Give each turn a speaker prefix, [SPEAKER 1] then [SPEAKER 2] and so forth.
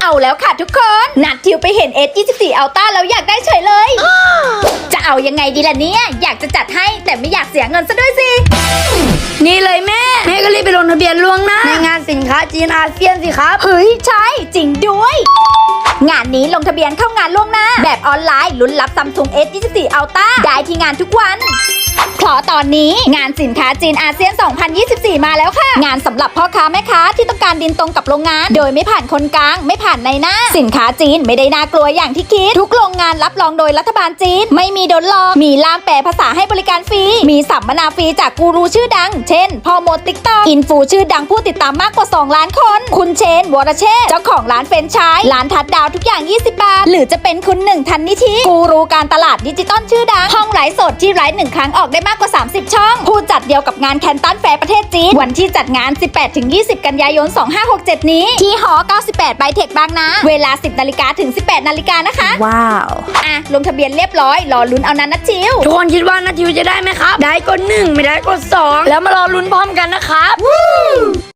[SPEAKER 1] เอาแล้วค่ะทุกคนนัดทิวไปเห็น S24 Ultra แล้วอยากได้เฉยเลย จะเอายังไงดีล่ะเนี่ยอยากจะจัดให้แต่ไม่อยากเสียเงินซะด้วยสิ
[SPEAKER 2] นี่เลยแม่ก็รีบไปลงทะเบียนล่วงหน้าในงานสินค้าจีนอาเซียนสิครับ
[SPEAKER 1] เฮ้ยใช่จริงด้วยงานนี้ลงทะเบียนเข้างานล่วงหน้าแบบออนไลน์ลุ้นรับ Samsung S24 Ultra ได้ที่งานทุกวันเพราะตอนนี้งานสินค้าจีนอาเซียน 2024 มาแล้วค่ะงานสำหรับพ่อค้าแม่ค้าที่ต้องการดินตรงกับโรงงานโดยไม่ผ่านคนกลางไม่ผ่านในหน้าสินค้าจีนไม่ได้น่ากลัวอย่างที่คิดทุกโรงงานรับรองโดยรัฐบาลจีนไม่มีโดนหลอกมีล่ามแปลภาษาให้บริการฟรีมีสัมมนาฟรีจากกูรูชื่อดังเช่นพ่อมด TikTok อินฟูชื่อดังผู้ติดตามมากกว่า2ล้านคนคุณเชนวรเชษฐ์เจ้าของร้านเฟรนช์ชายร้านทัดดาวทุกอย่าง20 บาทหรือจะเป็นคุณหนึ่งทันนิธิกูรูการตลาดดิจิตอลชื่อดังห้องไลฟ์สดที่ไลฟ์1 ครั้งออกได้มากกว่า30 ช่องผู้จัดเดียวกับงานแคนตันแฟร์ประเทศจีนวันที่จัดงาน 18-20 กันยายน 2567 นี้ที่หอ 98 ไบเทคบางนาเวลา 10 นาฬิกาถึง 18 นาฬิกานะคะ
[SPEAKER 2] ว้าว
[SPEAKER 1] ลงทะเบียนเรียบร้อยรอลุ้นเอานั้นนะทิว
[SPEAKER 2] ทุกคนคิดว่านัททิวจะได้ไหมครับได้กด1ไม่ได้กด2แล้วมารอลุ้นพร้อมกันนะครับ